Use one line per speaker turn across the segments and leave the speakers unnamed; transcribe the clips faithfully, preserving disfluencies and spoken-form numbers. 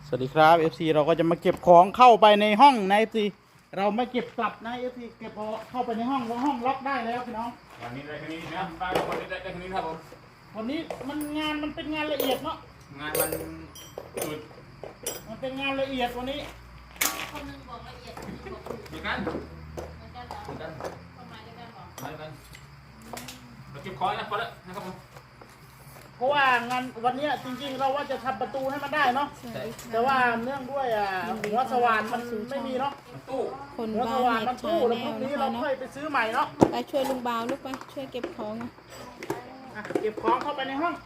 สวัสดีครับ เอฟ ซี เราก็จะมาเก็บของเข้าไปในห้องนะ เอฟ ซี เราไม่เก็บกลับนะ เอฟ ซี เก็บเข้าไปในห้องเพราะห้องล็อกได้แล้วพี่น้อง
วันนี้ได้แค่นี้นะป้าวันนี้ได้แค่นี้ครับผม
วันนี้มันงานมันเป็นงานละเอียดเนาะ
งานมันจุด
มันเป็นงานละเอียดวันนี้
คนหนึ่งบอกละเอียดคนหนึ่งบอกถูก
เหมือนกัน
เหมือนกันเหรอ
เหมือนกัน
ประมาณเดียวกันเหรอ
เหมือนกันเราเก็บของนะพอแล้วนะครับผม
เพราะว่างานวันนี้จริงๆ เราว่าจะทำประตูให้มันได้เนาะแต่ว่าเนื่องด้วยอ่ะหัวสว่านมันไม่มีเนาะ
ตู้
คน
หัว
บ้า
ส
น
ว่าน
เน็
มั
ต
น
ชา
ตู้แล้ว
แน
พรุ่
ล
งนี้
นะคะ
เรา
เนาะ
ค่อยไปซื้อใหม่เนาะ
ไปช่วยลุงบ่าวลูกไปช่วยเก็บของนะ
อ่ะเก็บของเข้าไปในห้อง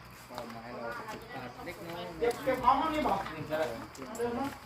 เก็บเก็บของห้องนี้บอก
นี่ใช่
เดินเนาะ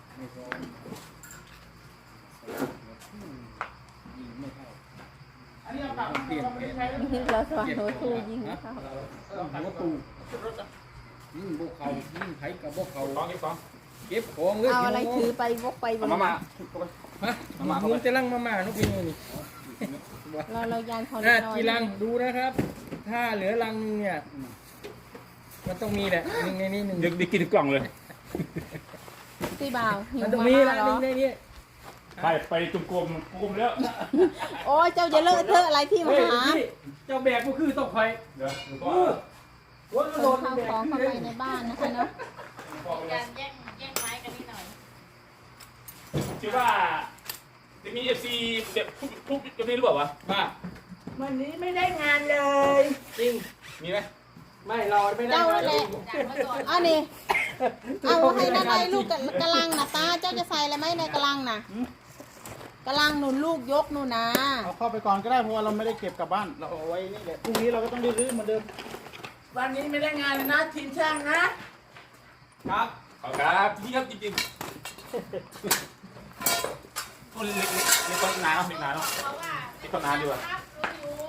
อันนี้เอากลับเราไม่ได้ใช้แล้ว
เราสว่างหัวทูยิงเขา
หัวตูยิ่งพวกเขายิ่งไผกับพวกเขา
ของเก็บของ
เก็บของเลย
เอาอะไรถือไปวกไปบ
เอา
น
มามา
ฮะมึงจะลังมาม่านุกพี่นี่
เราเรายานเขา
หน้า
น้อย
จีรังดูนะครับ ถ้าเหลือรังนึงเนี่ยมันต้องมีแหละหนึ่งในนี้หนึ่ง
เดี๋ยวได้กินกล่องเลย
ตีบ่าวหิว
มันต้อง
มา
มี
ม่า
ละ
เหร
หนึ่
อง
ในนี้
ไปไปจุ่มกลมกลมแล้ว
โอ้ยเจ้าจะเลอะเทอะอะไรที่มา
เฮ้ย
หา
พี่เจ้าแบกก็คือต้องคอย
เดี๋ยวดู
โอ้
ก่อน
โห
ข
โด
น
น
ข้าว
แบก
ของ
ขึ้
เข้าน ไป
เลย
ในบ้านนะคะเนาะ
มีการแย่งแย่งไม้กันนิดหน่อย
คิดว่าจะมีเอฟซีแบบทุกทุกจะมีหรือเปล่าวะ
บ้า
วันนี้ไม่ได้งานเลย
จริง
มีไหม
ไม่เราไม่ได้
เจ้านั่นแหละ
จากเมื่อก่อน
เอานี่เอาให้นั่นไว้ลูกกะกะลังนะตาเจ้าจะใส่อะไรไหมในกะลังน่ะกะลังหนุนลูกยกหนูนะ
เอาเข้าไปก่อนก็ได้เพราะว่าเราไม่ได้เก็บกลับบ้านเราเอาไว้นี่แหละพรุ่งนี้เราก็ต้องได้รื้อเหมือนเดิม
วันนี้ไม่ได้งานเลยนะทีมช่างนะครับ
ขอบครับที่ครับจริงๆคนเล็กๆเล็กคนหนาเนาะเล็กหนาเนาะ
เพราะว่า
ที่คนนานดีกว่า
ครับรู้อยู่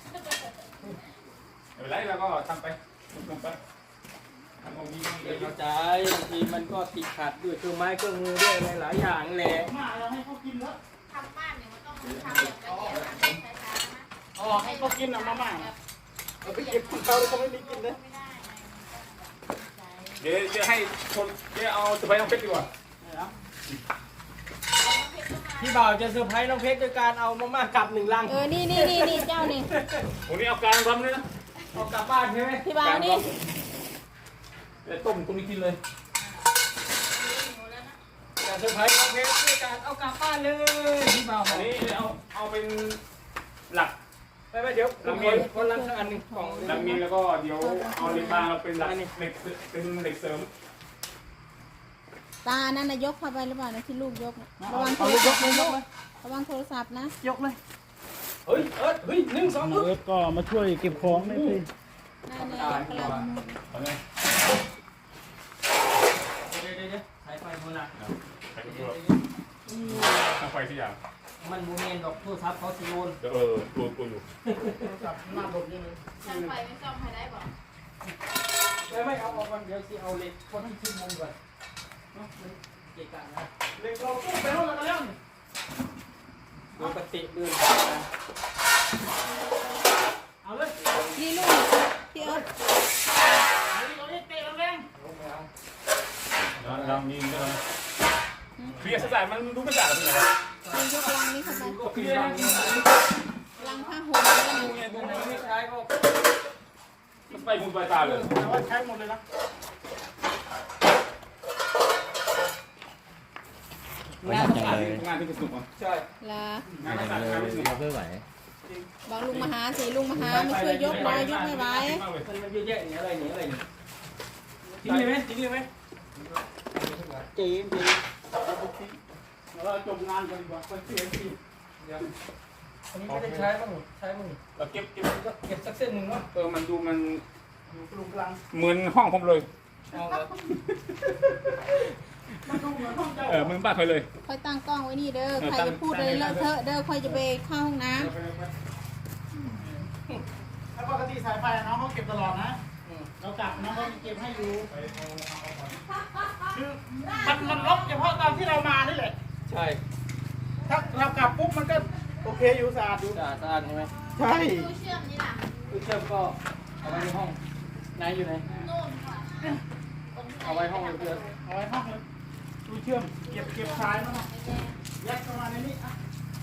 ไม่เป็นไรเราก็ทำไปทำไปทำของดี
เข้าใจบางทีมันก็ติดขัดด้วยเครื่องไม้เครื่องมือด้วยอะไรหลายอย่างแหละ
มาเราให้เขากินแล้ว
ทำบ้านเนี่ยมันต้องทำแบบละเอียดทำช้าๆนะ
อ๋อให้เขากินอ่ะมาม่า
แบบ
เอาไปเก็บของเขาแล้วเขาไม่มีกินเลย
ไม่ได้ไงใจ
เดี๋ยวจะให้คนเดี๋ยวเอาจะไปน้องเพชรดีกว่า
พี่บ่าวจะเซอร์ไพรส์น้องเพชรด้วยการเอามาม่ากลับหนึ่งลัง
เออนี่นี่นี่นี่เจ้านี่
วันนี้เอาการรำเลยนะ
เอากลับบ้านใช่ไหม
พี่บ่าวนี่
เดี๋ยวต้มตรงนี้กินเลย
หนูแล้วนะ
จะเซอร์ไพรส์น้องเพชรด้วยการเอากลับบ้านเลยพี่บ่าวบ
อั
อน ก
นี้เอาเอาเป็นหลัก
ไปไปเดี๋ยวเรามีคนละอันหนึ่งกล่อง
หลักมีแล้วก็เดี๋ยวเอาเหล็กบางเราเป็นหลักเหล็กเป็นเหล็กเสริม
ตานั่นนายกเข้าไปหรือเปล่านะที่ลูกยกน่ะระวังโท
เอา
ร
ลูกย
ศัพ
ก
ท์
เลยย
นะ
กเลย
ระวังโทรศัพท์นะ
ยกเลย
เฮ้ยเอิร์ธเฮ้ยหนึ่งสอง
น้องเอิร์ธก็มาช่วยเก็บของได้สิ
นั่นนายกกำลัง
เอาไง
เดี๋ยวเดี๋ยวเดี๋ยวสายไฟโบราณ
ใส่กระตัวตั้งไฟสิอย่าง
มันโมเมนดอกโทรศัพท์เขาสิโยน
เดี๋ยวเออตัวตัวอยู่
จับหน้าหลบนี่เลย
ช่างไฟไม่ซ่อมให้ได้บอก
ไม่ไม่เอาออกก่อนเดี๋ยวสิเอาเหล็กคนที่ขึ้นมุมก่อนเนาะมันเกะกะนะ
เด็กเราตู้ไปห้องกันแล้วนี่
โดยปฏิเดิน
เอาเลย
นี่ลูกพี่เอิร์ธ
เอาดิเอาดิเตะแรง
ลองยิงกันเคลียร์สายมันดูไม่สะอาดเลย
นี่ยกลังนี้เข้าไป
ก็เคลียร์นี่
ลังผ้าห่มแล้วนะ
ดูไงดูไงไม่ใช้ก็
มันไปมุมปลายตาเลย
ๆแต่ว่าใช้หมดเลยนะ
งานต้องการงานที่เป็นสุขอ่ะ
ใช่
ลาง
านที่สะอาดงานที่สุข
เพื่อไหว
บอกลุงมาหาสิลุงมาหามาช่วยยกหน่อยยกไม่ไหว
มันมันเยอะแยะเนี่ยอะไรเนี่ยอะไรเนี่ยจริงเลยไหมจริงเลยไหม
เจ๊เจ๊เราจบงานกันดีกว่าคนเสียที
เดี๋ยวอันนี้ไม่ได้ใช้บ้างใช้บ้าง
เราเก็บเก็บ
ก็เก็บสักเส้นหนึ่งเนาะ
เออมันดูมัน
อยู่กลุ่มกลาง
เหมือนห้องผมเลย
เอาเหรอ
มันดูเหมือนห้องเจ้า
เออเหมือนบ้านเคยเลย
ค่อยตั้งกล้องไว้นี่เด้อใครจะพูดอะไรเลอะเทอะเด้อค่อยจะไปเข้าห้องน้
แล้วปกติสายไฟน้องเขาเก็บตลอดนะเรากลับน้องเขาเก็บให้อยู่คือมันมันล็อกเฉพาะตอนที่เรามานี่แหละ
ใช่
ถ้าเรากลับปุ๊บมันก็โอเคอยู่สะอาดอยู่
สะอาดสะอาดใช่ไหม
ใช่
ตู้เชื่อมนี่ล่ะ
ตู้เชื่อมก็เอาไว้ในห้องไหนอยู่ไหน
นู่นค่ะ
เอาไว้ห้องเพื่อน
เ
เอาไว้ห้องเลยดูเชื่อมเก็บเก็บสายมาหน่อยยัดเข้ามาในนี้อ่ะ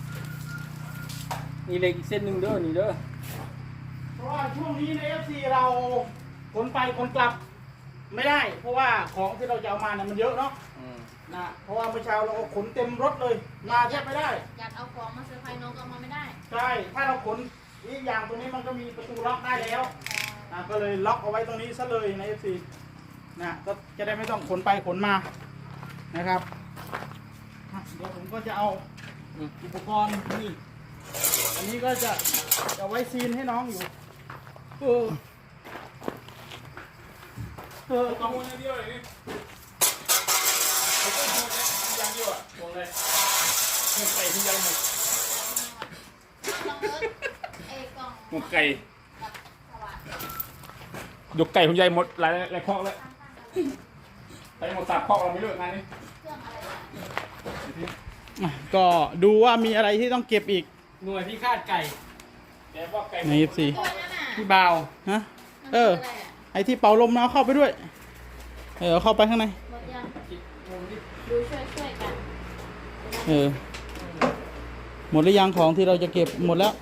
นี่เหล็กอีกเส้นหนึ่งเด้อนี่เด้อ
เพราะว่าช่วงนี้ใน เอฟ ซี เราขนไปขนกลับไม่ได้ เพราะว่าของที่เราจะเอามาเนี่ยมันเยอะเนาะ
อืม
นะเพราะว่าเมื่อเช้าเราก็ขนเต็มรถเลย มาแทบไม่ได้
อยากเอาของมาเซอร์ไพรส์น้องก็เอามาไม่ได้
ใช่ถ้าเราขนอีกอย่างตรงนี้มันก็มีประตูล็อกได้แล้วนะก็เลยล็อกเอาไว้ตรงนี้ซะเลยใน เอฟ ซี นะก็จะได้ไม่ต้องขนไปขนมานะครับอ่ะเดี๋ยวผมก็จะเอาอุปกรณ์นี่อันนี้ก็จะจะไว้ซีนให้น้องอยู่เออเออ
ข้อมูลอย่างเดียวเลยนี่ผมก็พูดเลยอย่างเดียวอ่ะวงเลยหมกไก่ที่ยังหมก
น้องเอิร์ธเอ้กล่อง
หมกไก่
กับสว่าน
ยกไก่คุณยายหมดหลายหลายข้อแล้วไปหมดสามข้อเราไม่เลิกงานนี้
เครื่องอะไรนะ
อ่ะก็ดูว่ามีอะไรที่ต้องเก็บอีก
หน่วยพิฆาตไก่
แกว่าไก่
ใน เอฟ ซี
ตัวนั้นน่ะ
พี่บ่าว
ฮะ
มัน
เอ
คือ
อ
อะไรอ่ะ
ไอที่เป่าลมนะเอาเข้าไปด้วยเออเอาเข้าไปข้างใน
หมดยังดูช่วยช่วยๆกัน
เออหมดหรือยังของที่เราจะเก็บหมดแล้ว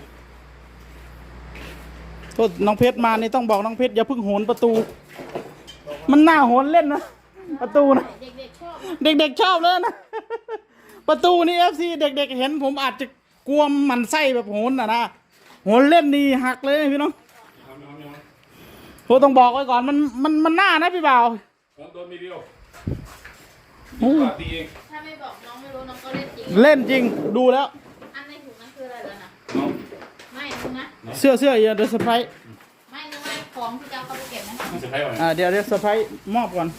ก็น้องเพชรมานี่ต้องบอกน้องเพชรอย่าเพิ่งโหนประตู มันน่าโหนเล่นนะประตูนะ
เด็กๆชอบ
เด็กๆชอบเลยนะ ประตูนี่เอฟซีเด็กๆเห็นผมอาจจะกลัวมันไส้แบบโหนนะนะโหนเล่นนี่หักเลยนะพี่น้องผมต้องบอกไว้ก่อนมันมันมันน่านะพี่บ่าว
ผมโดนมีเดียว
โอ้
ตีเอง
ถ้าไม่บอกน้องไม่รู้น้องก็เล่นจริง
เล่นจริงดูแล้ว
อันในถุงนั้นคืออะไรแล้วนะ
น้อง
ไม่นึงนะ
เสื้อเสื้ออย่าเดี๋ยวเซอร์ไพรส์
ไม่นึงว่าของที่จะเอาเข้าไปเก็บนะ
มีเซอร์ไพรส์ก่อน
อ่าเดี๋ยวเดี๋ยวเซอร์ไพรส์มอบก่อน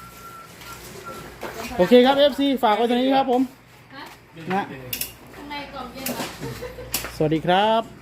โอเคครับ เอฟ ซี ฝากไว้ตรงนี้ครับผม
ฮะ
นะ
ข้างในกล่องเย็นเหรอ
สวัสดีครับ